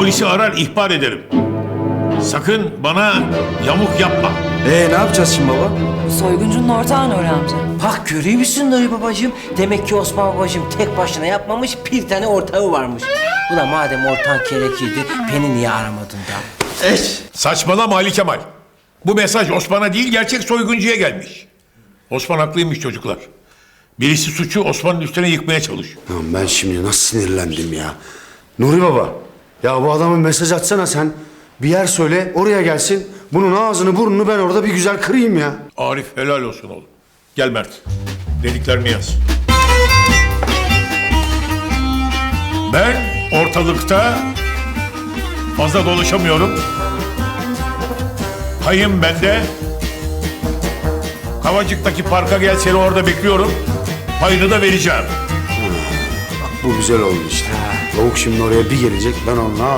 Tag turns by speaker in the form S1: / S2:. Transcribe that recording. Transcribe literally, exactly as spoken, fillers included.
S1: polisi arar ihbar ederim. Sakın bana yamuk yapma.
S2: Ee ne yapacağız şimdi baba?
S3: Soyguncunun ortağı Nuri amca.
S4: Bak görüyor musun Nuri babacığım? Demek ki Osman babacığım tek başına yapmamış, bir tane ortağı varmış. Ulan madem ortağın gerekirdi, beni niye aramadın da?
S2: Eş.
S1: Saçmalama Ali Kemal. Bu mesaj Osman'a değil gerçek soyguncuya gelmiş. Osman haklıymış çocuklar. Birisi suçu Osman'ın üstüne yıkmaya çalışıyor.
S2: Lan ben şimdi nasıl sinirlendim ya. Nuri baba, ya bu adama mesaj atsana sen. Bir yer söyle, oraya gelsin. Bunun ağzını burnunu ben orada bir güzel kırayım ya.
S1: Arif helal olsun oğlum. Gel Mert. Dediklerimi yaz. Ben ortalıkta fazla dolaşamıyorum. Payım bende. Kavacık'taki parka gel, seni orada bekliyorum. Payını da vereceğim.
S2: Bu güzel oldu işte. Lavuk şimdi oraya bir gelecek, ben onunla